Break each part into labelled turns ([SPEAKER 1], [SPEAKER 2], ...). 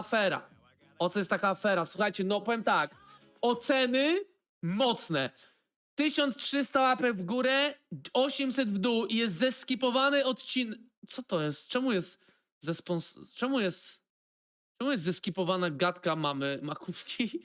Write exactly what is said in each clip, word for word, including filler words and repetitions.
[SPEAKER 1] afera? O co jest taka afera? Słuchajcie, no powiem tak. Oceny mocne. tysiąc trzysta łapek w górę, osiemset w dół i jest zeskipowany odcinek. Co to jest? Czemu jest zespons... Czemu jest... Czemu jest zeskipowana gadka mamy makówki?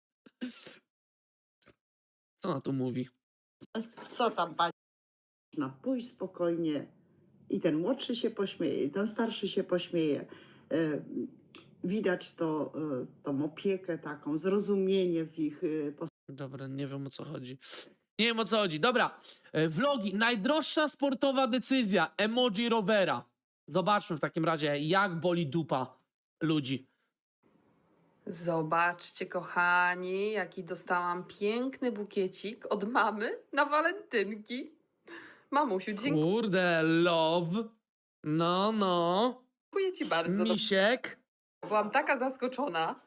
[SPEAKER 1] Co na to mówi?
[SPEAKER 2] Co tam pani? No, pójść spokojnie i ten młodszy się pośmieje, i ten starszy się pośmieje. E, widać to, e, tą opiekę taką, zrozumienie w ich e,
[SPEAKER 1] Dobra, nie wiem o co chodzi. Nie wiem o co chodzi. Dobra, e, vlogi. Najdroższa sportowa decyzja. Emoji rowera. Zobaczmy w takim razie, jak boli dupa ludzi.
[SPEAKER 3] Zobaczcie, kochani, jaki dostałam piękny bukiecik od mamy na walentynki. Mamusiu, dziękuję
[SPEAKER 1] Kurde, love. No, no.
[SPEAKER 3] ci bardzo.
[SPEAKER 1] Misiek.
[SPEAKER 3] Byłam taka zaskoczona.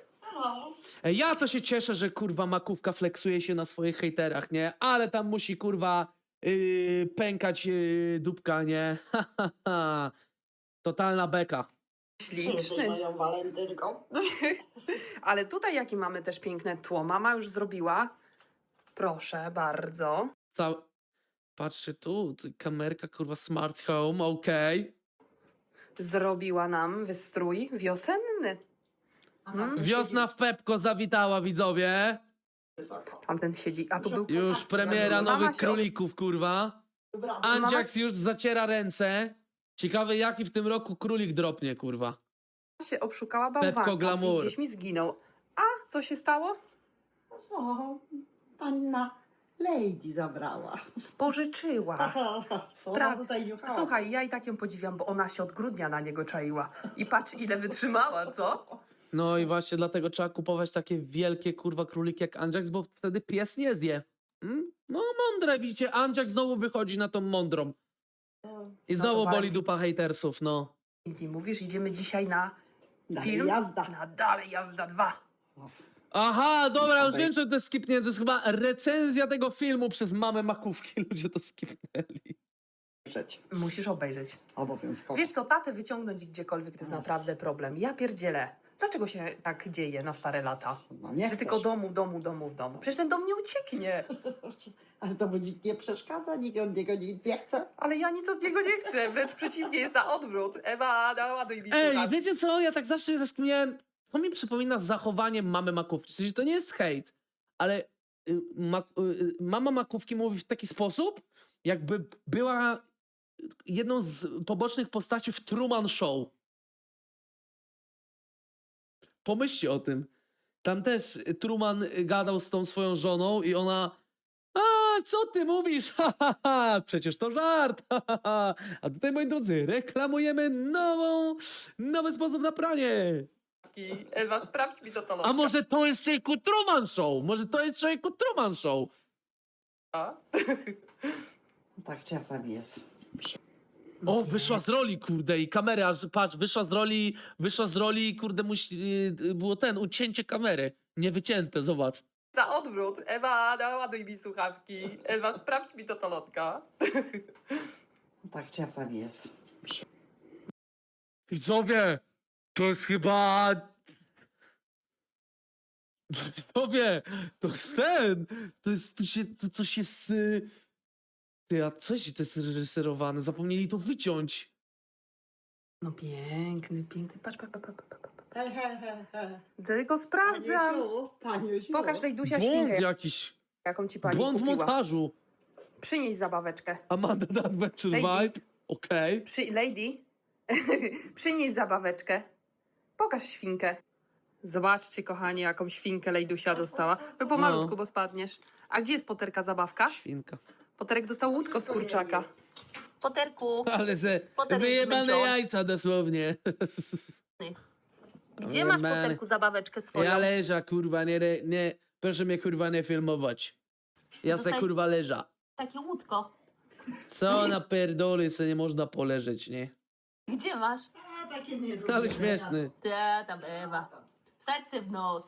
[SPEAKER 1] E, Ja to się cieszę, że kurwa makówka flexuje się na swoich hejterach, nie? Ale tam musi kurwa yy, pękać yy, dupka, nie? Ha, ha, ha. Totalna beka.
[SPEAKER 3] Śliczny.
[SPEAKER 2] moją walentynką.
[SPEAKER 3] Ale tutaj jakie mamy też piękne tło. Mama już zrobiła. Proszę bardzo.
[SPEAKER 1] Cał... Patrzcie tu, tu, kamerka kurwa smart home, okej.
[SPEAKER 3] Zrobiła nam wystrój wiosenny. Mm.
[SPEAKER 1] Wiosna w Pepko zawitała, widzowie.
[SPEAKER 3] Tamten siedzi, a tu był...
[SPEAKER 1] Już premiera
[SPEAKER 3] Mama
[SPEAKER 1] nowych
[SPEAKER 3] się-
[SPEAKER 1] królików, kurwa. Andziaks już zaciera ręce. Ciekawe, jaki w tym roku królik dropnie, kurwa.
[SPEAKER 3] się obszukała bałwanka.
[SPEAKER 1] Pepko Glamour.
[SPEAKER 3] I gdzieś mi zginął. A, co się stało?
[SPEAKER 2] O, panna Lady zabrała.
[SPEAKER 3] Pożyczyła.
[SPEAKER 2] Co
[SPEAKER 3] Pra-
[SPEAKER 2] ona tutaj niuchała?
[SPEAKER 3] Słuchaj, ja i tak ją podziwiam, bo ona się od grudnia na niego czaiła. I patrz, ile wytrzymała, co?
[SPEAKER 1] No i właśnie dlatego trzeba kupować takie wielkie, kurwa, króliki jak Andziaks, bo wtedy pies nie zje. Mm? No mądre, widzicie, Andziak znowu wychodzi na tą mądrą. I
[SPEAKER 3] No
[SPEAKER 1] znowu
[SPEAKER 3] to
[SPEAKER 1] boli
[SPEAKER 3] bardzo.
[SPEAKER 1] dupa hejtersów, no.
[SPEAKER 3] Indy, mówisz, idziemy dzisiaj na
[SPEAKER 2] Dalej
[SPEAKER 3] film?
[SPEAKER 2] jazda.
[SPEAKER 3] Na Dalej Jazda dwa.
[SPEAKER 1] Aha, dobra, już
[SPEAKER 2] Obej-
[SPEAKER 1] wiem, czy to jest skipnięte. To jest chyba recenzja tego filmu przez mamę makówki. Ludzie to skipnęli.
[SPEAKER 2] Przecież.
[SPEAKER 3] Musisz obejrzeć.
[SPEAKER 2] Obowiązkowo.
[SPEAKER 3] Wiesz co, tatę wyciągnąć gdziekolwiek to jest
[SPEAKER 2] Yes.
[SPEAKER 3] naprawdę problem. Ja pierdzielę. Dlaczego się tak dzieje na stare lata?
[SPEAKER 2] No nie
[SPEAKER 3] Że
[SPEAKER 2] chcesz.
[SPEAKER 3] tylko domu, domu, domu, w domu. Przecież ten dom nie ucieknie.
[SPEAKER 2] Ale to mu nikt nie przeszkadza, nikt od niego nic nie chce.
[SPEAKER 3] Ale ja nic od niego nie chcę. Wręcz przeciwnie, jest na odwrót. Ewa, ładuj mi
[SPEAKER 1] Ej,
[SPEAKER 3] słuchawki.
[SPEAKER 1] wiecie co? Ja tak zawsze rozkminiałem. To mi przypomina zachowanie mamy makówki. W sensie to nie jest hejt, ale y, ma, y, mama makówki mówi w taki sposób, jakby była jedną z pobocznych postaci w Truman Show. Pomyślcie o tym. Tam też Truman gadał z tą swoją żoną i ona: a, co ty mówisz? Ha, ha, ha. Przecież to żart. Ha, ha, ha. A tutaj, moi drodzy, reklamujemy nową, nowy sposób na pranie.
[SPEAKER 3] Ewa, sprawdź mi to to
[SPEAKER 1] A może to jest człowieku Truman Show? Może to jest człowieku Truman Show?
[SPEAKER 2] Tak czasami jest.
[SPEAKER 1] O, wyszła z roli, kurde, i kamera, aż patrz, wyszła z roli, wyszła z roli, kurde, musi, yy, było ten, ucięcie kamery. Nie wycięte, zobacz.
[SPEAKER 3] Na odwrót. Ewa, ładuj mi słuchawki. Ewa, sprawdź mi to tolotka.
[SPEAKER 2] Tak czasami jest.
[SPEAKER 1] Widzowie, to jest chyba... Widzowie, to jest ten, to jest, tu się, tu coś jest... y, Ty, a coś to jest reżyserowane, zapomnieli to wyciąć.
[SPEAKER 3] No piękny, piękny. Patrz, patrz, patrz, patrz, patrz.
[SPEAKER 2] He, he, he, he.
[SPEAKER 3] Tylko sprawdzam.
[SPEAKER 2] Paniusiu, Paniusiu.
[SPEAKER 3] Pokaż Lejdusia
[SPEAKER 1] Błąd
[SPEAKER 3] świnkę,
[SPEAKER 1] jakiś,
[SPEAKER 3] jaką ci pani
[SPEAKER 1] błąd w
[SPEAKER 3] kupiła.
[SPEAKER 1] montażu.
[SPEAKER 3] Przynieś zabaweczkę.
[SPEAKER 1] Amanda the Adventure
[SPEAKER 3] Lady.
[SPEAKER 1] Vibe, okej.
[SPEAKER 3] Przy... Lady, przynieś zabaweczkę. Pokaż świnkę. Zobaczcie, kochani, jaką świnkę Lejdusia dostała. Wy pomalutku,
[SPEAKER 1] No.
[SPEAKER 3] bo spadniesz. A gdzie jest Poterka zabawka?
[SPEAKER 1] Świnka.
[SPEAKER 3] Poterek dostał łódko z kurczaka. Poterku,
[SPEAKER 1] Ale ze
[SPEAKER 3] Potem jest
[SPEAKER 1] wyjebane
[SPEAKER 3] zmęczony.
[SPEAKER 1] jajca dosłownie.
[SPEAKER 3] gdzie masz
[SPEAKER 1] Wyjebane.
[SPEAKER 3] Poterku zabaweczkę swoją?
[SPEAKER 1] Ja leża, kurwa, nie, re- nie, proszę mnie kurwa nie filmować. Ja se
[SPEAKER 3] Dostałeś-
[SPEAKER 1] kurwa leża.
[SPEAKER 3] Takie łódko.
[SPEAKER 1] Co na pierdoli se nie można poleżeć, nie?
[SPEAKER 3] Gdzie masz?
[SPEAKER 2] A, takie nie
[SPEAKER 1] Ale śmieszny.
[SPEAKER 3] Ta, tam Ewa. Serce w nos.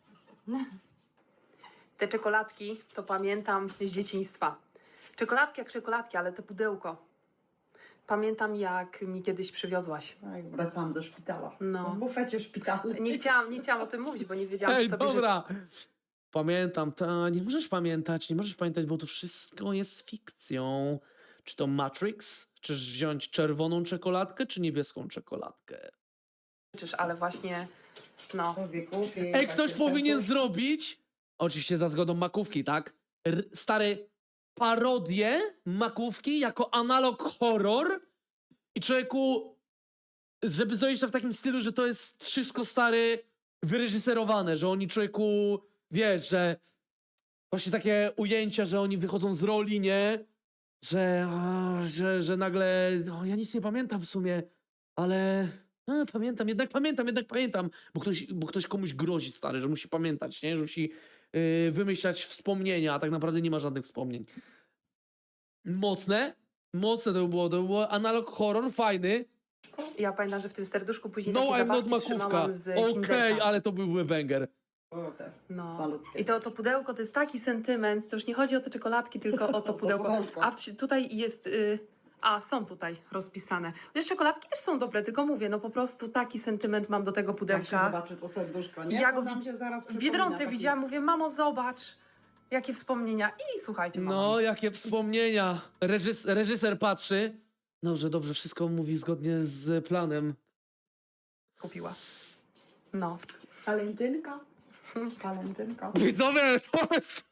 [SPEAKER 3] Te czekoladki to pamiętam z dzieciństwa. Czekoladki jak czekoladki, ale to pudełko. Pamiętam, jak mi kiedyś przywiozłaś.
[SPEAKER 2] Tak, wracałam ze szpitala.
[SPEAKER 3] No.
[SPEAKER 2] W bufecie szpitalnym.
[SPEAKER 3] Nie chciałam, nie chciałam o tym mówić, bo nie wiedziałam,
[SPEAKER 1] Ej,
[SPEAKER 3] czy sobie
[SPEAKER 1] dobra. Pamiętam, ta, nie możesz pamiętać, nie możesz pamiętać, bo to wszystko jest fikcją. Czy to Matrix? Czyż wziąć czerwoną czekoladkę, czy niebieską czekoladkę?
[SPEAKER 3] życzysz, ale właśnie, no.
[SPEAKER 2] Człowieku, ty
[SPEAKER 1] Ej,
[SPEAKER 2] takie
[SPEAKER 1] ktoś powinien
[SPEAKER 2] serduszko.
[SPEAKER 1] zrobić, oczywiście za zgodą Makówki, tak? R stary, parodię Makówki jako analog horror i człowieku, żeby zrobić to w takim stylu, że to jest wszystko, stary, wyreżyserowane, że oni, człowieku, wiesz, że właśnie takie ujęcia, że oni wychodzą z roli, nie? Że, a, że, że nagle, no, ja nic nie pamiętam w sumie, ale a, pamiętam, jednak pamiętam, jednak pamiętam, bo ktoś, bo ktoś komuś grozi, stary, że musi pamiętać, nie? Że musi yy, wymyślać wspomnienia, a tak naprawdę nie ma żadnych wspomnień. Mocne, mocne to by było, to by było analog horror, fajny.
[SPEAKER 3] Ja pamiętam, że w tym serduszku później
[SPEAKER 1] No,
[SPEAKER 3] takie
[SPEAKER 1] I'm not
[SPEAKER 3] zabawki
[SPEAKER 1] Makówka.
[SPEAKER 3] trzymałam z
[SPEAKER 1] Okej,
[SPEAKER 3] Kinderka.
[SPEAKER 1] ale to byłby banger.
[SPEAKER 2] O, też.
[SPEAKER 3] No.
[SPEAKER 2] Malutkie.
[SPEAKER 3] I to, to pudełko to jest taki sentyment, to już nie chodzi o te czekoladki, tylko o to
[SPEAKER 2] To
[SPEAKER 3] pudełko.
[SPEAKER 2] pudełko.
[SPEAKER 3] A w, tutaj jest... Y, a, są tutaj rozpisane. Wiesz, czekoladki też są dobre, tylko mówię, no po prostu taki sentyment mam do tego
[SPEAKER 2] Jak się
[SPEAKER 3] pudełka.
[SPEAKER 2] zobaczy to serduszko, nie?
[SPEAKER 3] Ja
[SPEAKER 2] To
[SPEAKER 3] go
[SPEAKER 2] nam
[SPEAKER 3] wid-
[SPEAKER 2] się zaraz
[SPEAKER 3] W
[SPEAKER 2] przypomina
[SPEAKER 3] Biedronce
[SPEAKER 2] taki-
[SPEAKER 3] widziałam, mówię, mamo, zobacz, jakie wspomnienia. I słuchajcie, mama
[SPEAKER 1] No, jakie wspomnienia. Reżys reżyser patrzy. Dobrze, dobrze, wszystko mówi zgodnie z planem.
[SPEAKER 3] kupiła. No.
[SPEAKER 2] Walentynka? Walentynka.
[SPEAKER 1] Widzowie, to jest...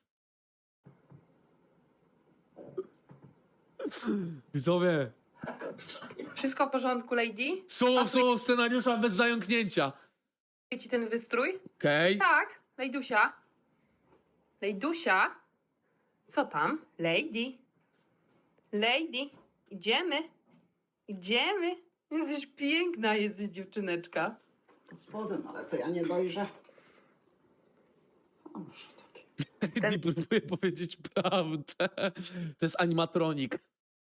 [SPEAKER 1] Widzowie,
[SPEAKER 3] Wszystko w porządku, lady?
[SPEAKER 1] słowo w słowo scenariusza bez zająknięcia.
[SPEAKER 3] Ci ten wystrój?
[SPEAKER 1] Okej?
[SPEAKER 3] Tak, Lejdusia. Lejdusia? Co tam? Lady. Lady. Idziemy. Idziemy. Jesteś piękna, jesteś dziewczyneczka.
[SPEAKER 2] Pod spodem, ale to ja nie dojrzę. O, może tak.
[SPEAKER 3] Ten-
[SPEAKER 1] Nie próbuję powiedzieć prawdę. To jest animatronik.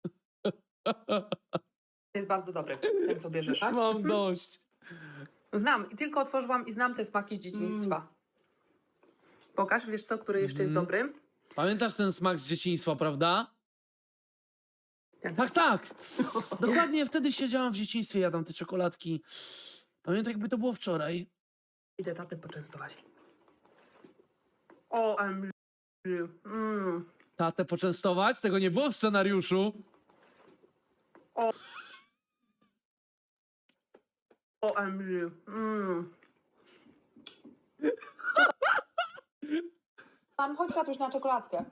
[SPEAKER 3] Jest bardzo dobry, ten co bierzesz.
[SPEAKER 1] Mam dość.
[SPEAKER 3] Znam i tylko otworzyłam i znam te smaki z dzieciństwa. Pokaż, wiesz co, który jeszcze jest
[SPEAKER 1] Mm.
[SPEAKER 3] dobry?
[SPEAKER 1] Pamiętasz ten smak z dzieciństwa, prawda?
[SPEAKER 3] Ten.
[SPEAKER 1] Tak, tak. Dokładnie wtedy siedziałam w dzieciństwie, jadam te czekoladki. Pamiętam, jakby to było wczoraj.
[SPEAKER 3] Idę tatę poczęstować. O, em, mm.
[SPEAKER 1] Tatę poczęstować? Tego nie było w scenariuszu.
[SPEAKER 3] O, em, mm. Mam, chodź tatuś na czekoladkę.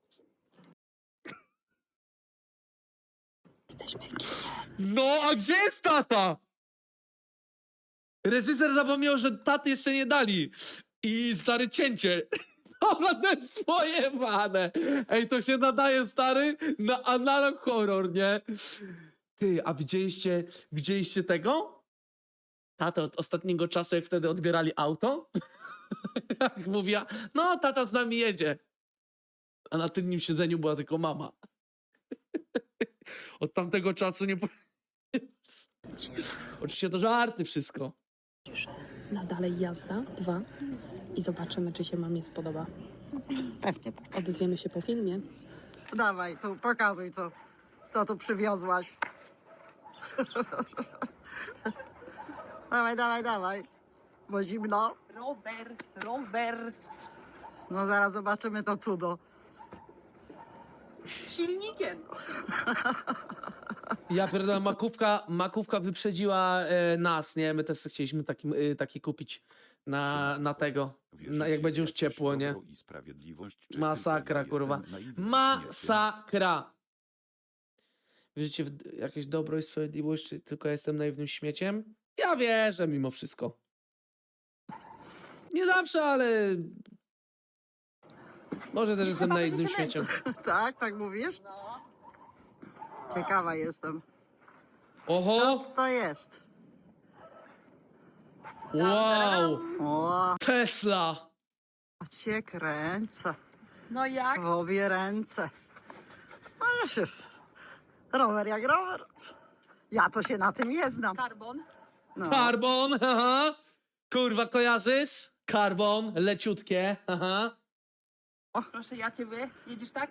[SPEAKER 3] Jesteśmy w kinie.
[SPEAKER 1] No, a gdzie jest tata? Reżyser zapomniał, że taty jeszcze nie dali. I stary cięcie. Dobra, to jest swoje wane. Ej, to się nadaje, stary, na analog horror, nie? Ty, a widzieliście, widzieliście tego? Tatę od ostatniego czasu, jak wtedy odbierali auto? Jak mówiła, no tata z nami jedzie. A na tylnym siedzeniu była tylko mama. Od tamtego czasu nie... po- Oczywiście to żarty wszystko.
[SPEAKER 3] Na dalej jazda, dwa. I zobaczymy, czy się mamie spodoba.
[SPEAKER 2] Pewnie tak.
[SPEAKER 3] Odezwiemy się po filmie.
[SPEAKER 2] Dawaj, tu pokazuj, co, co tu przywiozłaś. Dawaj, dawaj, dawaj. Bo zimno.
[SPEAKER 3] Rower, rower.
[SPEAKER 2] No zaraz zobaczymy to cudo.
[SPEAKER 3] Z silnikiem.
[SPEAKER 1] Ja pierdolę, makówka, makówka wyprzedziła e, nas, nie? My też chcieliśmy taki, e, taki kupić na, na tego, na, jak będzie już ciepło, nie? Masakra, kurwa. Masakra! Wierzycie w jakieś dobro i sprawiedliwość, czy tylko ja jestem naiwnym śmieciem? Ja wierzę mimo wszystko. Nie zawsze, ale... Może też jestem
[SPEAKER 3] Chyba
[SPEAKER 1] naiwnym
[SPEAKER 3] będzie się
[SPEAKER 1] śmieciem.
[SPEAKER 2] Tak, tak mówisz?
[SPEAKER 3] No.
[SPEAKER 2] Ciekawa jestem.
[SPEAKER 1] Oho!
[SPEAKER 2] To jest.
[SPEAKER 1] Wow!
[SPEAKER 2] O,
[SPEAKER 1] Tesla!
[SPEAKER 2] a cię kręcę.
[SPEAKER 3] No jak?
[SPEAKER 2] W obie ręce. Ależ już. Rower jak rower. Ja to się na tym nie znam.
[SPEAKER 3] Karbon.
[SPEAKER 2] No.
[SPEAKER 1] Karbon, haha. Kurwa, kojarzysz? Karbon, leciutkie, haha.
[SPEAKER 3] Proszę, ja ciebie. Jedziesz tak?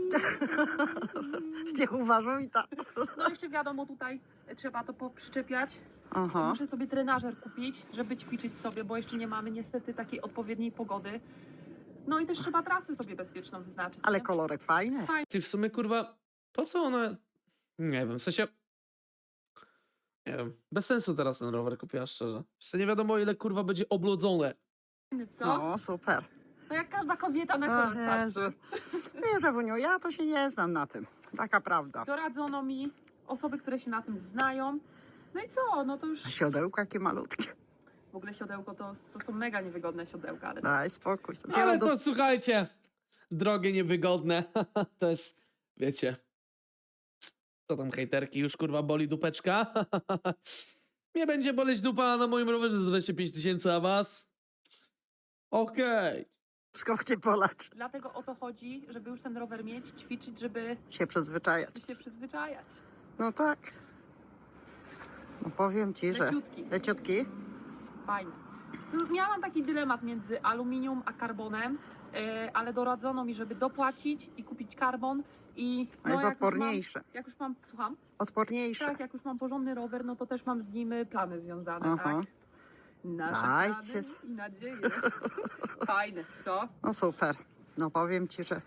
[SPEAKER 2] Gdzie uważaj tak.
[SPEAKER 3] No jeszcze wiadomo, tutaj trzeba to przyczepiać.
[SPEAKER 2] Aha.
[SPEAKER 3] Muszę sobie trenażer kupić, żeby ćwiczyć sobie, bo jeszcze nie mamy niestety takiej odpowiedniej pogody. No i też trzeba trasy sobie bezpieczną wyznaczyć.
[SPEAKER 2] Ale
[SPEAKER 3] nie?
[SPEAKER 2] kolorek fajny.
[SPEAKER 1] Ty w sumie, kurwa, po co ona... Nie wiem, w sensie... Nie wiem, bez sensu teraz ten rower kupiła, szczerze. Jeszcze nie wiadomo, ile, kurwa, będzie oblodzone.
[SPEAKER 3] Fajny, co? No.
[SPEAKER 2] No, super.
[SPEAKER 3] jak każda kobieta na
[SPEAKER 2] O
[SPEAKER 3] kolor patrzy.
[SPEAKER 2] Jezu. Wiesz, Ewuniu, ja to się nie znam na tym. Taka prawda.
[SPEAKER 3] Doradzono mi osoby, które się na tym znają. No i co? No to już
[SPEAKER 2] A siodełka jakie malutkie.
[SPEAKER 3] w ogóle siodełko to, to są mega niewygodne siodełka, ale
[SPEAKER 2] Daj spokój.
[SPEAKER 1] Ale
[SPEAKER 2] Dopiero do...
[SPEAKER 1] to, słuchajcie, drogie, niewygodne, to jest, wiecie... Co tam, hejterki, już, kurwa, boli dupeczka? Nie będzie boleć dupa na moim rowerze za dwadzieścia pięć tysięcy, a was? Okej.
[SPEAKER 2] Skąd polacz.
[SPEAKER 3] dlatego o to chodzi, żeby już ten rower mieć, ćwiczyć, żeby
[SPEAKER 2] Się przyzwyczajać.
[SPEAKER 3] się przyzwyczajać.
[SPEAKER 2] No tak. No powiem ci, że...
[SPEAKER 3] Leciutki.
[SPEAKER 2] Leciutki?
[SPEAKER 3] Fajnie. Tu miałam taki dylemat między aluminium a karbonem, yy, ale doradzono mi, żeby dopłacić i kupić karbon i
[SPEAKER 2] A jest
[SPEAKER 3] jak już mam-
[SPEAKER 2] odporniejsze.
[SPEAKER 3] Jak już mam, słucham?
[SPEAKER 2] Odporniejsze.
[SPEAKER 3] Tak, jak już mam porządny rower, no to też mam z nim y, plany związane,
[SPEAKER 2] Aha.
[SPEAKER 3] tak? Nasze
[SPEAKER 2] Dajcie
[SPEAKER 3] plany
[SPEAKER 2] s-
[SPEAKER 3] i nadzieje. Fajne, co?
[SPEAKER 2] No super. No powiem ci, że...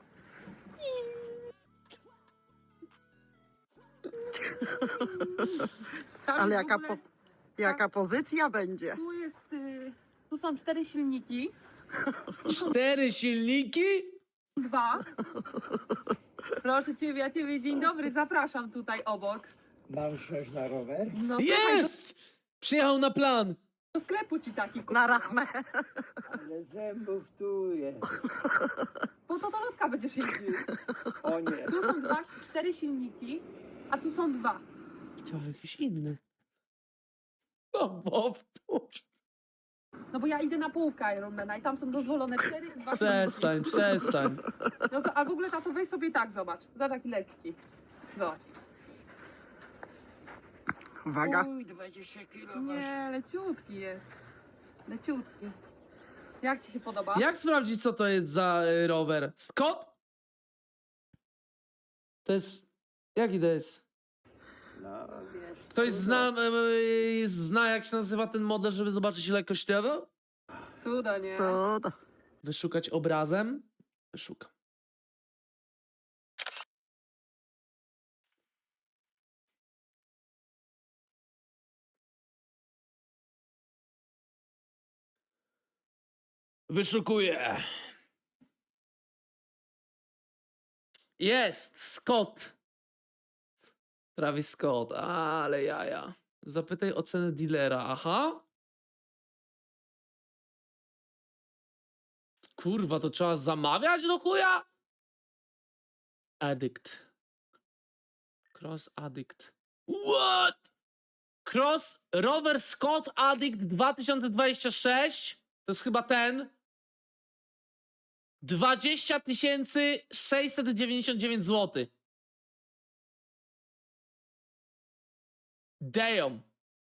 [SPEAKER 3] Tam
[SPEAKER 2] Ale
[SPEAKER 3] jest w
[SPEAKER 2] jaka,
[SPEAKER 3] ogóle-
[SPEAKER 2] po... jaka pozycja będzie?
[SPEAKER 3] Tu jest, y, tu są cztery silniki,
[SPEAKER 1] Cztery silniki?
[SPEAKER 3] dwa. Proszę ciebie, ja ciebie, dzień dobry, zapraszam tutaj obok.
[SPEAKER 4] Mam sześć na rower?
[SPEAKER 3] No słuchaj,
[SPEAKER 1] Jest! Przyjechał na plan.
[SPEAKER 3] do sklepu ci taki
[SPEAKER 2] Na
[SPEAKER 3] kupiłam.
[SPEAKER 2] rachmę.
[SPEAKER 4] Ale zębów tu jest.
[SPEAKER 3] Po to do lotka będziesz jeździł.
[SPEAKER 4] O nie.
[SPEAKER 3] Tu są dwa, cztery silniki, a tu są dwa.
[SPEAKER 1] Chciał jakiś inny. No powtórz.
[SPEAKER 3] No bo ja idę na połówkę Ironmana i tam są dozwolone cztery i dwa
[SPEAKER 1] Przestań, przestań.
[SPEAKER 3] silniki. No to, a w ogóle tato weź sobie tak, zobacz. Zobacz jaki lekki. Zobacz.
[SPEAKER 2] Uwaga.
[SPEAKER 4] Uj, dwadzieścia kilo masz.
[SPEAKER 3] Nie, leciutki jest. Leciutki. Jak ci się podoba?
[SPEAKER 1] Jak sprawdzić, co to jest za y, rower? Scott? To jest... Jaki to jest?
[SPEAKER 4] No wiesz.
[SPEAKER 1] Ktoś
[SPEAKER 4] trudno.
[SPEAKER 1] zna, y, zna, jak się nazywa ten model, żeby zobaczyć, ile kosztował?
[SPEAKER 3] Cudo, nie?
[SPEAKER 2] To... to-
[SPEAKER 1] Wyszukać obrazem? Wyszukam. Wyszukuję. Jest! Scott. Travis Scott. Ale jaja. Zapytaj o cenę dealera. Aha. Kurwa, to trzeba zamawiać do chuja? Addict. Cross Addict. What? Cross Rover Scott Addict dwa tysiące dwadzieścia sześć. To jest chyba ten. dwadzieścia tysięcy sześćset dziewięćdziesiąt dziewięć złotych. Damn.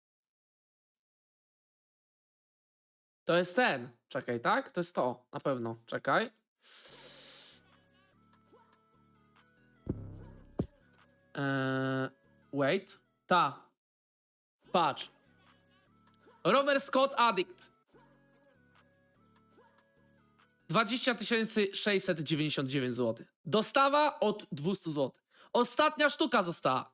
[SPEAKER 1] To jest ten. Czekaj, tak? To jest to. Na pewno. Czekaj. Eee, wait. Ta. Patrz. Rover Scott Addict. dwadzieścia tysięcy sześćset dziewięćdziesiąt dziewięć złotych. Dostawa od dwieście złotych. Ostatnia sztuka została.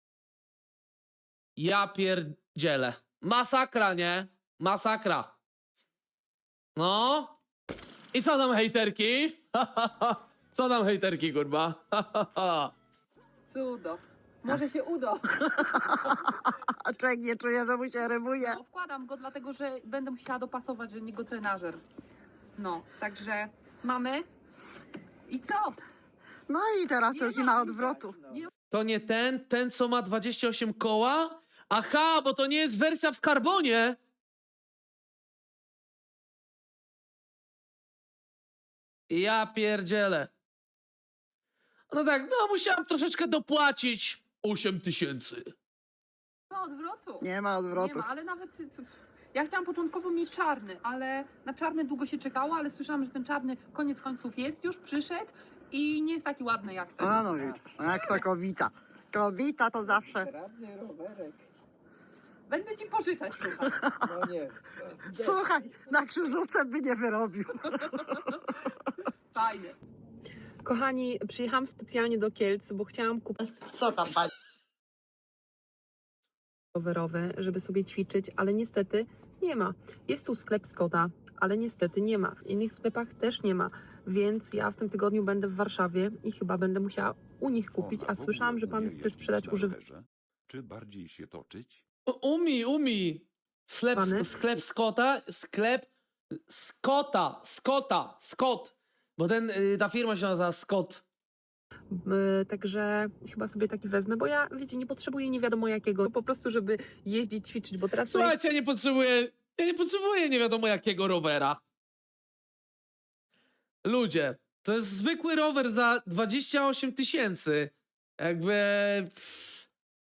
[SPEAKER 1] Ja pierdzielę. Masakra, nie? Masakra. No. I co tam, hejterki? Co tam, hejterki, kurwa?
[SPEAKER 3] Cudo. Może się uda.
[SPEAKER 2] A człowiek nie czuje, że mu się rymuje.
[SPEAKER 3] No, wkładam go dlatego, że będę musiała dopasować, że nie go trenażer. No, także mamy. I co?
[SPEAKER 2] No i teraz
[SPEAKER 3] Nie
[SPEAKER 2] już nie
[SPEAKER 3] ma
[SPEAKER 2] ma
[SPEAKER 3] widać,
[SPEAKER 2] odwrotu.
[SPEAKER 3] Nie
[SPEAKER 1] To nie ten, ten co ma dwadzieścia osiem koła? Aha, bo to nie jest wersja w karbonie. Ja pierdzielę. No tak, no musiałam troszeczkę dopłacić. osiem tysięcy.
[SPEAKER 3] ma odwrotu.
[SPEAKER 2] Nie ma
[SPEAKER 3] Nie
[SPEAKER 2] odwrotu.
[SPEAKER 3] ma, ale nawet Ja chciałam początkowo mieć czarny, ale na czarny długo się czekało, ale słyszałam, że ten czarny koniec końców jest już, przyszedł i nie jest taki ładny jak ten.
[SPEAKER 2] A no widzisz, jak to kobita. Kobita to zawsze.
[SPEAKER 4] Radny rowerek.
[SPEAKER 3] Będę ci pożyczać, słuchaj.
[SPEAKER 4] No nie.
[SPEAKER 2] Słuchaj, na krzyżówce by nie wyrobił.
[SPEAKER 3] Fajnie. Kochani, przyjechałam specjalnie do Kielc, bo chciałam kupić
[SPEAKER 2] Co tam pani?
[SPEAKER 3] rowerowe, żeby sobie ćwiczyć, ale niestety nie ma. Jest tu sklep Scotta, ale niestety nie ma. W innych sklepach też nie ma, więc ja w tym tygodniu będę w Warszawie i chyba będę musiała u nich kupić,
[SPEAKER 5] Ona
[SPEAKER 3] a
[SPEAKER 5] w
[SPEAKER 3] słyszałam,
[SPEAKER 5] ogóle
[SPEAKER 3] że pan
[SPEAKER 5] umie
[SPEAKER 3] chce
[SPEAKER 5] jeździć
[SPEAKER 3] sprzedać
[SPEAKER 5] na
[SPEAKER 3] używane.
[SPEAKER 5] rowerze? Czy bardziej się toczyć?
[SPEAKER 1] U- Umi, umi. Sklep,
[SPEAKER 3] Pany?
[SPEAKER 1] sklep Scotta, sklep Scotta, Scotta, Scott. Bo ten, y, ta firma się nazywa Scott.
[SPEAKER 3] Także chyba sobie taki wezmę, bo ja, wiecie, nie potrzebuję nie wiadomo jakiego, po prostu, żeby jeździć, ćwiczyć, bo teraz...
[SPEAKER 1] Słuchajcie, ja nie potrzebuję, ja nie potrzebuję nie wiadomo jakiego rowera. Ludzie, to jest zwykły rower za dwadzieścia osiem tysięcy. Jakby... pff,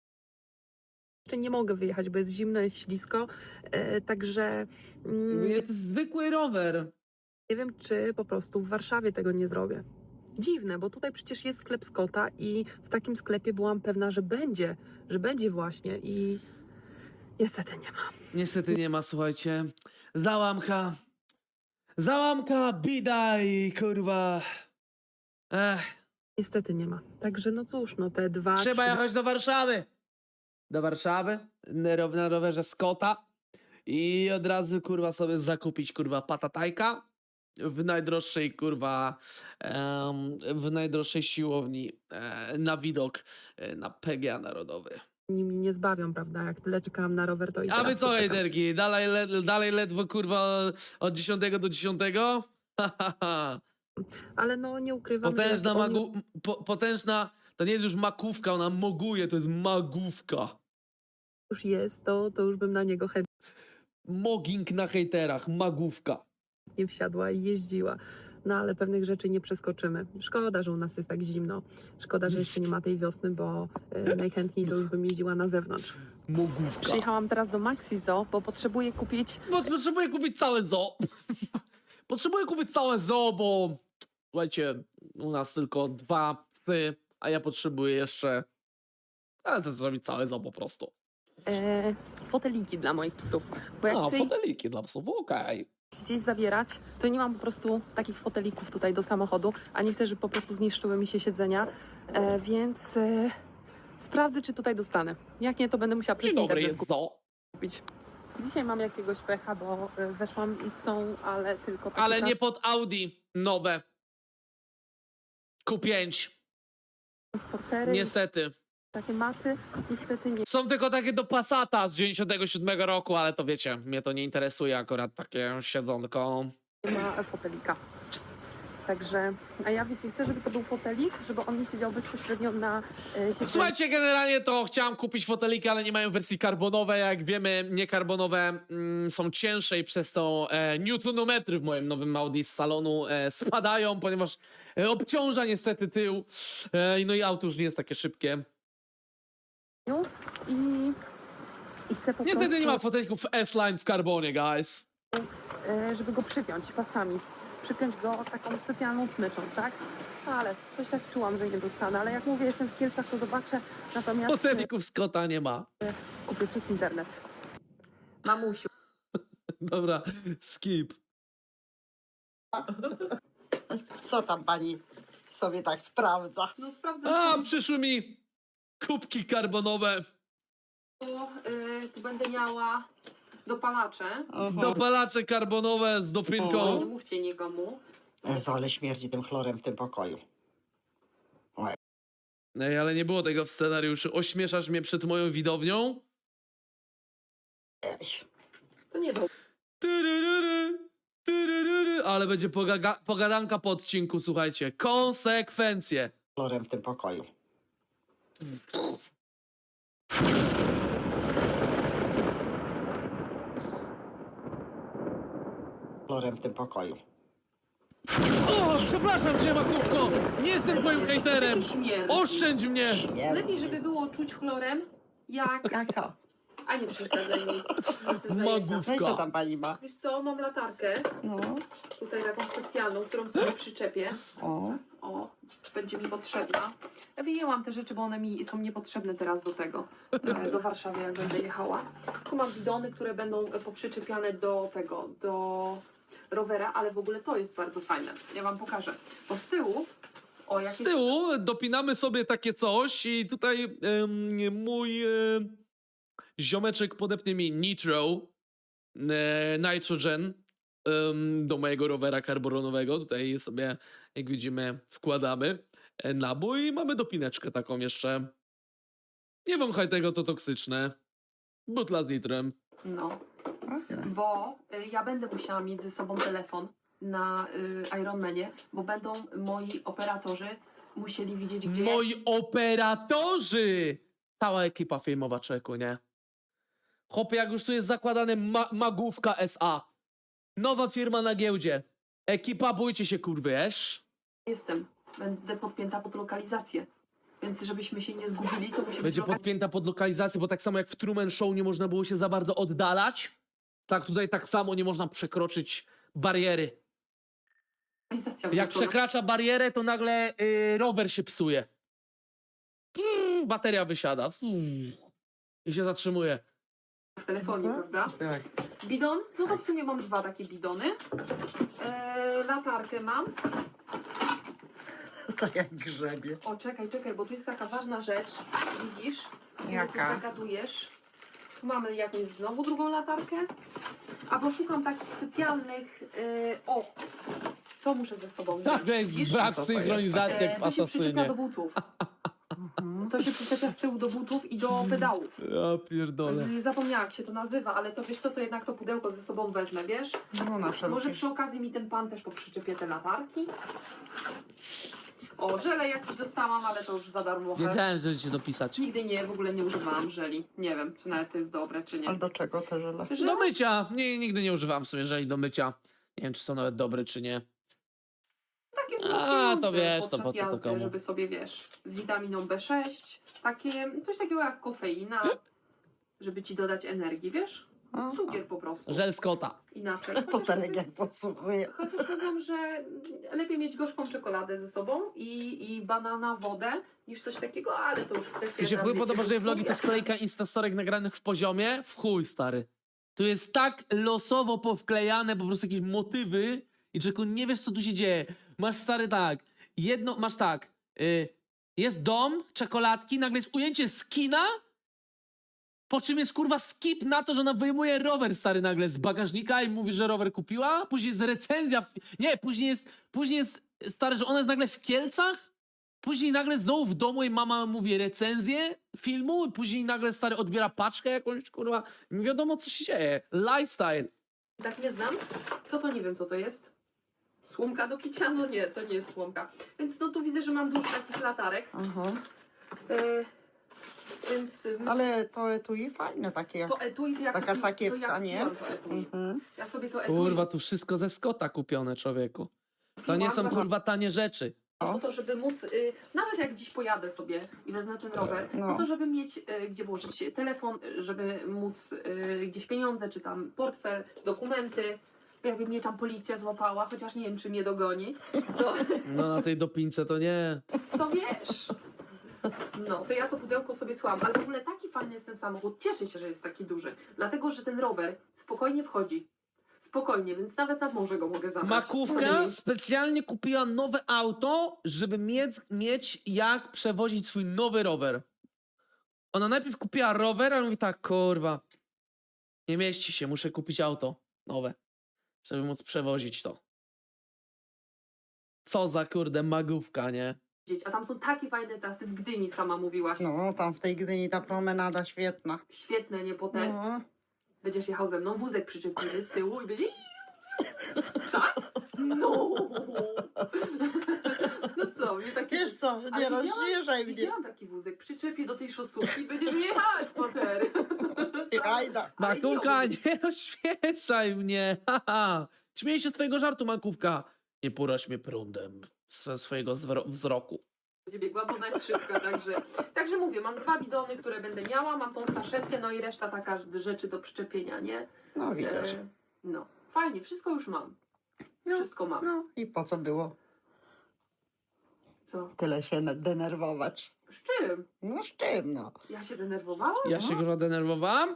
[SPEAKER 3] jeszcze nie mogę wyjechać, bo jest zimno, jest ślisko, e, także mm,
[SPEAKER 1] to jest zwykły rower.
[SPEAKER 3] nie wiem, czy po prostu w Warszawie tego nie zrobię. Dziwne, bo tutaj przecież jest sklep Scotta i w takim sklepie byłam pewna, że będzie, że będzie właśnie i niestety nie ma.
[SPEAKER 1] Niestety nie ma, słuchajcie. Załamka. Załamka, bida i kurwa... Ech,
[SPEAKER 3] Niestety nie ma. Także no cóż, no te dwa,
[SPEAKER 1] trzeba
[SPEAKER 3] trzy
[SPEAKER 1] jechać do Warszawy. Do Warszawy, na row- na rowerze Scotta i od razu kurwa sobie zakupić kurwa patatajka w najdroższej kurwa em, w najdroższej siłowni e, na widok e, na P G A Narodowy.
[SPEAKER 3] nimi nie zbawią, prawda? Jak tyle czekałam na rower, to i
[SPEAKER 1] A
[SPEAKER 3] teraz
[SPEAKER 1] wy co,
[SPEAKER 3] poczekam.
[SPEAKER 1] hejterki? Dalej, le, dalej ledwo kurwa od dziesiątego do dziesiątego? Ha, ha, ha.
[SPEAKER 3] Ale no nie ukrywam,
[SPEAKER 1] Potężna
[SPEAKER 3] że jak oni-
[SPEAKER 1] magu... Po, potężna... To nie jest już makówka, ona moguje, to jest magówka.
[SPEAKER 3] już jest, to, to już bym na niego
[SPEAKER 1] Mogging na hejterach, magówka.
[SPEAKER 3] chętnie wsiadła i jeździła. No ale pewnych rzeczy nie przeskoczymy. Szkoda, że u nas jest tak zimno. Szkoda, że jeszcze nie ma tej wiosny, bo y, najchętniej to już bym jeździła na zewnątrz.
[SPEAKER 1] Mogówka.
[SPEAKER 3] Przyjechałam teraz do Maxi Zoo, bo potrzebuję kupić...
[SPEAKER 1] Bo potrzebuję kupić całe zoo. Potrzebuję kupić całe zoo, bo słuchajcie, u nas tylko dwa psy, a ja potrzebuję jeszcze... Ale chcę zrobić całe zoo po prostu.
[SPEAKER 3] E, foteliki dla moich psów. Bo jak
[SPEAKER 1] A,
[SPEAKER 3] chcę ich
[SPEAKER 1] foteliki dla psów, okej.
[SPEAKER 3] gdzieś zabierać, to nie mam po prostu takich fotelików tutaj do samochodu, a nie chcę, żeby po prostu zniszczyły mi się siedzenia, e, więc e, sprawdzę, czy tutaj dostanę. Jak nie, to będę musiała przez
[SPEAKER 1] Dzień dobry,
[SPEAKER 3] internet
[SPEAKER 1] jest zoo.
[SPEAKER 3] kupić. Dzisiaj mam jakiegoś pecha, bo e, weszłam i są, ale tylko takie
[SPEAKER 1] Ale nie pod Audi nowe. Q pięć.
[SPEAKER 3] transportery,
[SPEAKER 1] Niestety.
[SPEAKER 3] takie maty, niestety nie
[SPEAKER 1] Są tylko takie do Passata z dziewięćdziesiątego siódmego roku, ale to wiecie, mnie to nie interesuje akurat takie siedzonko.
[SPEAKER 3] ma fotelika. Także, a ja wiecie, chcę, żeby to był fotelik, żeby on nie siedział bezpośrednio na e, siedzeniu.
[SPEAKER 1] Słuchajcie, generalnie to chciałam kupić foteliki, ale nie mają wersji karbonowej. Jak wiemy, niekarbanowe mm, są cięższe i przez to e, newtonometry w moim nowym Audi z salonu e, spadają, ponieważ e, obciąża niestety tył. E, no i auto już nie jest takie szybkie.
[SPEAKER 3] I, i chcę po
[SPEAKER 1] Niestety
[SPEAKER 3] prostu,
[SPEAKER 1] nie ma fotelików S-Line w karbonie, guys.
[SPEAKER 3] e, żeby go przypiąć pasami. Przypiąć go taką specjalną smyczą, tak? Ale coś tak czułam, że nie dostanę, ale jak mówię, jestem w Kielcach, to zobaczę. Natomiast e,
[SPEAKER 1] Fotelików Scotta nie ma.
[SPEAKER 3] kupię przez internet. Mamusiu.
[SPEAKER 1] Dobra, skip.
[SPEAKER 2] Co tam pani sobie tak sprawdza?
[SPEAKER 3] No sprawdzę,
[SPEAKER 1] A, przyszły mi kubki karbonowe.
[SPEAKER 3] bo y, tu będę miała dopalacze.
[SPEAKER 1] Dopalacze karbonowe z
[SPEAKER 3] Nie
[SPEAKER 1] dopinką.
[SPEAKER 3] mówcie nikomu.
[SPEAKER 2] Jezu, ale śmierdzi tym chlorem w tym pokoju.
[SPEAKER 1] Ej, ale nie było tego w scenariuszu. Ośmieszasz mnie przed moją widownią?
[SPEAKER 2] Ej.
[SPEAKER 3] To nie do.
[SPEAKER 1] Tyryryry, tyryryry. Ale będzie pogaga- pogadanka po odcinku, słuchajcie. Konsekwencje.
[SPEAKER 2] Chlorem w tym pokoju. Chlorem w tym pokoju.
[SPEAKER 1] O, przepraszam cię, makówko. Nie jestem twoim hejterem.
[SPEAKER 3] Śmierdzi.
[SPEAKER 1] Oszczędź mnie.
[SPEAKER 3] Lepiej, żeby było czuć chlorem, jak
[SPEAKER 2] Jak co?
[SPEAKER 3] A nie przeszkadzaj mi.
[SPEAKER 1] Magów.
[SPEAKER 2] No i co tam pani ma?
[SPEAKER 3] Wiesz co, mam latarkę,
[SPEAKER 2] No,
[SPEAKER 3] tutaj taką specjalną, którą sobie przyczepię.
[SPEAKER 2] o.
[SPEAKER 3] O, będzie mi potrzebna. Ja wyjęłam te rzeczy, bo one mi są niepotrzebne teraz do tego, e, do Warszawy, jak będę jechała. Tu mam bidony, które będą e, poprzyczepiane do tego, do rowera, ale w ogóle to jest bardzo fajne. Ja wam pokażę. Bo z tyłu, o, jak
[SPEAKER 1] Z
[SPEAKER 3] jest-
[SPEAKER 1] tyłu dopinamy sobie takie coś i tutaj em, mój em, ziomeczek podepnie mi nitro, e, nitrogen em, do mojego rowera karboronowego. Tutaj sobie, jak widzimy, wkładamy e, nabój i mamy dopineczkę taką jeszcze. Nie wąchaj tego, to toksyczne. Butla z nitrem.
[SPEAKER 3] No, bo y, ja będę musiała mieć ze sobą telefon na y, Ironmanie, bo będą moi operatorzy musieli widzieć, gdzie
[SPEAKER 1] Moi operatorzy! Cała ekipa filmowa czeku, nie? Chłopie, jak już tu jest zakładane ma Magówka S A. Nowa firma na giełdzie. Ekipa, bójcie się, kurwy, wiesz?
[SPEAKER 3] jestem. Będę podpięta pod lokalizację. Więc żebyśmy się nie zgubili, to musi
[SPEAKER 1] Będzie
[SPEAKER 3] być
[SPEAKER 1] podpięta pod lokalizację, bo tak samo jak w Truman Show nie można było się za bardzo oddalać, tak tutaj tak samo nie można przekroczyć bariery.
[SPEAKER 3] lokalizacja.
[SPEAKER 1] Jak
[SPEAKER 3] włączona.
[SPEAKER 1] przekracza barierę, to nagle y, rower się psuje. Mm, bateria wysiada. Mm, I się zatrzymuje.
[SPEAKER 3] W telefonie,
[SPEAKER 2] Mhm.
[SPEAKER 3] prawda?
[SPEAKER 2] Tak.
[SPEAKER 3] Bidon? No to w sumie mam dwa takie bidony. Eee, latarkę mam.
[SPEAKER 2] Tak jak grzebie.
[SPEAKER 3] O, czekaj, czekaj, bo tu jest taka ważna rzecz. Widzisz? Ty
[SPEAKER 2] Jaka?
[SPEAKER 3] Tu zagadujesz. Tu mamy jakąś znowu drugą latarkę. A bo szukam takich specjalnych... Yy, o! To muszę ze sobą
[SPEAKER 1] Tak,
[SPEAKER 3] wziąć.
[SPEAKER 1] to jest
[SPEAKER 3] Widzisz?
[SPEAKER 1] brak
[SPEAKER 2] Co to
[SPEAKER 1] synchronizacji jak w
[SPEAKER 3] to się przyczepia do
[SPEAKER 1] Asasynie.
[SPEAKER 3] butów.
[SPEAKER 2] Mhm.
[SPEAKER 3] To się przyczepia z tyłu do butów i do pedałów.
[SPEAKER 1] Ja pierdolę.
[SPEAKER 3] Yy, Zapomniałam, jak się to nazywa, ale to wiesz co, to jednak to pudełko ze sobą wezmę, wiesz?
[SPEAKER 2] No na wszelki.
[SPEAKER 3] Może przy okazji mi ten pan też poprzyczepie te latarki. O, żele jakieś dostałam, ale to już za darmo.
[SPEAKER 1] Wiedziałem, że cię dopisać.
[SPEAKER 3] Nigdy nie, w ogóle nie używałam żeli. Nie wiem, czy nawet to jest dobre, czy nie.
[SPEAKER 2] Ale do czego te żele?
[SPEAKER 1] Do
[SPEAKER 3] Żele?
[SPEAKER 1] mycia. Nie, nigdy nie używam w sumie żeli do mycia. Nie wiem, czy są nawet dobre, czy nie.
[SPEAKER 3] Takie
[SPEAKER 1] A,
[SPEAKER 3] wzmacniające
[SPEAKER 1] to wiesz, to
[SPEAKER 3] podczas
[SPEAKER 1] po co to
[SPEAKER 3] jazdy,
[SPEAKER 1] komu?
[SPEAKER 3] żeby sobie, wiesz, z witaminą B sześć, takie, coś takiego jak kofeina, żeby ci dodać energii, wiesz?
[SPEAKER 2] Aha.
[SPEAKER 3] Cukier po prostu.
[SPEAKER 1] Żel z kota.
[SPEAKER 3] Inaczej.
[SPEAKER 2] To
[SPEAKER 3] Chociaż,
[SPEAKER 2] Terek
[SPEAKER 3] mówię-
[SPEAKER 2] jak podsłuchuje.
[SPEAKER 3] chociaż mówią, że lepiej mieć gorzką czekoladę ze sobą i, i banana wodę, niż coś takiego, ale to już kwestia...
[SPEAKER 1] Mi się w chuj
[SPEAKER 3] tam,
[SPEAKER 1] podoba,
[SPEAKER 3] wiecie,
[SPEAKER 1] że vlogi to
[SPEAKER 3] gustu.
[SPEAKER 1] sklejka instastorek nagranych w poziomie. W chuj, stary. Tu jest tak losowo powklejane po prostu jakieś motywy i czeku nie wiesz, co tu się dzieje. Masz, stary, tak. Jedno, masz tak. Y, jest dom, czekoladki, nagle jest ujęcie z kina, po czym jest kurwa skip na to, że ona wyjmuje rower, stary, nagle z bagażnika i mówi, że rower kupiła. Później jest recenzja. w- Nie, później jest, później jest, stary, że ona jest nagle w Kielcach. Później nagle znowu w domu jej mama mówi recenzję filmu i później nagle stary odbiera paczkę jakąś, kurwa. Nie wiadomo, co się dzieje. Lifestyle.
[SPEAKER 3] Tak nie znam. Co to nie wiem, co to jest? Słomka do picia? No nie, to nie jest słomka. Więc no tu widzę, że mam dużo takich latarek.
[SPEAKER 2] Aha.
[SPEAKER 3] E, więc ym,
[SPEAKER 2] Ale to etui fajne takie jak...
[SPEAKER 3] to etui to jak
[SPEAKER 2] taka
[SPEAKER 3] to ja
[SPEAKER 2] sakiewka, nie?
[SPEAKER 3] kupiłam to etui.
[SPEAKER 2] Mhm.
[SPEAKER 3] Ja sobie to etui
[SPEAKER 1] Kurwa, tu wszystko ze Scotta kupione, człowieku. To nie są kurwa tanie rzeczy.
[SPEAKER 3] po to, żeby móc, y, nawet jak dziś pojadę sobie i wezmę ten rower,
[SPEAKER 2] No.
[SPEAKER 3] po to, żeby mieć y, gdzie włożyć telefon, y, żeby móc y, gdzieś pieniądze, czy tam portfel, dokumenty. Jakby mnie tam policja złapała, chociaż nie wiem, czy mnie dogoni, to,
[SPEAKER 1] No na tej dopince to nie.
[SPEAKER 3] to wiesz. No, to ja to pudełko sobie schłam, ale w ogóle taki fajny jest ten samochód. Cieszę się, że jest taki duży, dlatego, że ten rower spokojnie wchodzi. Spokojnie, więc nawet na morze go mogę zabrać.
[SPEAKER 1] Makówka specjalnie kupiła nowe auto, żeby mieć, mieć jak przewozić swój nowy rower. Ona najpierw kupiła rower, ale mówi tak, kurwa, nie mieści się, muszę kupić auto nowe, żeby móc przewozić to. Co za kurde magówka, nie?
[SPEAKER 3] A tam są takie fajne trasy w Gdyni, sama mówiłaś.
[SPEAKER 2] No, tam w tej Gdyni ta promenada świetna.
[SPEAKER 3] Świetne, nie potem.
[SPEAKER 2] No.
[SPEAKER 3] Będziesz jechał ze mną, wózek przyczepiony z tyłu i będzie... Tak? No! No co, mnie taki...
[SPEAKER 2] Wiesz co,
[SPEAKER 3] Ale
[SPEAKER 2] nie
[SPEAKER 3] widziałam-
[SPEAKER 2] rozświeżaj mnie.
[SPEAKER 3] Widziałam taki wózek, przyczepię do tej szosówki i będziemy jechać potem.
[SPEAKER 2] Ty, Ajda.
[SPEAKER 3] Ale
[SPEAKER 1] Makówka,
[SPEAKER 3] nie,
[SPEAKER 1] nie rozśmieszaj mnie, haha. Śmiej się z twojego żartu, Makówka. Nie poraź mnie prądem ze swojego zwro- wzroku.
[SPEAKER 3] będzie biegła, bo ona jest szybka, także, także mówię, mam dwa bidony, które będę miała, mam tą saszetkę, no i reszta taka rzeczy do przyczepienia, nie?
[SPEAKER 2] No widzisz.
[SPEAKER 3] E, no, fajnie, wszystko już mam.
[SPEAKER 2] No,
[SPEAKER 3] Wszystko mam.
[SPEAKER 2] no i po co było
[SPEAKER 3] Co?
[SPEAKER 2] tyle się na- denerwować?
[SPEAKER 3] Z czym?
[SPEAKER 2] No z czym, no?
[SPEAKER 3] Ja się denerwowałam?
[SPEAKER 1] Ja się kurwa denerwowałam?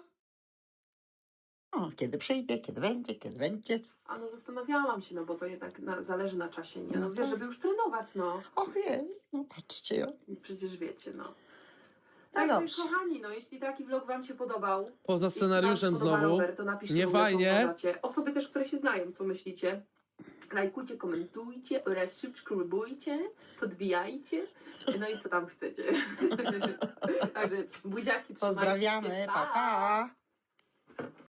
[SPEAKER 2] O, kiedy przyjdzie, kiedy będzie, kiedy będzie.
[SPEAKER 3] A no zastanawiałam się, no bo to jednak na, zależy na czasie, nie? No
[SPEAKER 2] No
[SPEAKER 3] wiesz,
[SPEAKER 2] tak.
[SPEAKER 3] żeby już trenować, no.
[SPEAKER 2] Och jej, no patrzcie. o.
[SPEAKER 3] Przecież wiecie, no.
[SPEAKER 2] No
[SPEAKER 3] Także
[SPEAKER 2] dobrze.
[SPEAKER 3] kochani, no jeśli taki vlog wam się podobał,
[SPEAKER 1] Poza
[SPEAKER 3] jeśli
[SPEAKER 1] scenariuszem
[SPEAKER 3] wam się podoba
[SPEAKER 1] znowu.
[SPEAKER 3] Rower, to napiszcie
[SPEAKER 1] Nie
[SPEAKER 3] w ogóle, co
[SPEAKER 1] fajnie.
[SPEAKER 3] uważacie. Osoby też, które się znają, co myślicie. Lajkujcie, komentujcie oraz subskrybujcie, podbijajcie. No i co tam chcecie. Także buziaki, trzymajcie się.
[SPEAKER 2] Pozdrawiamy, pa pa.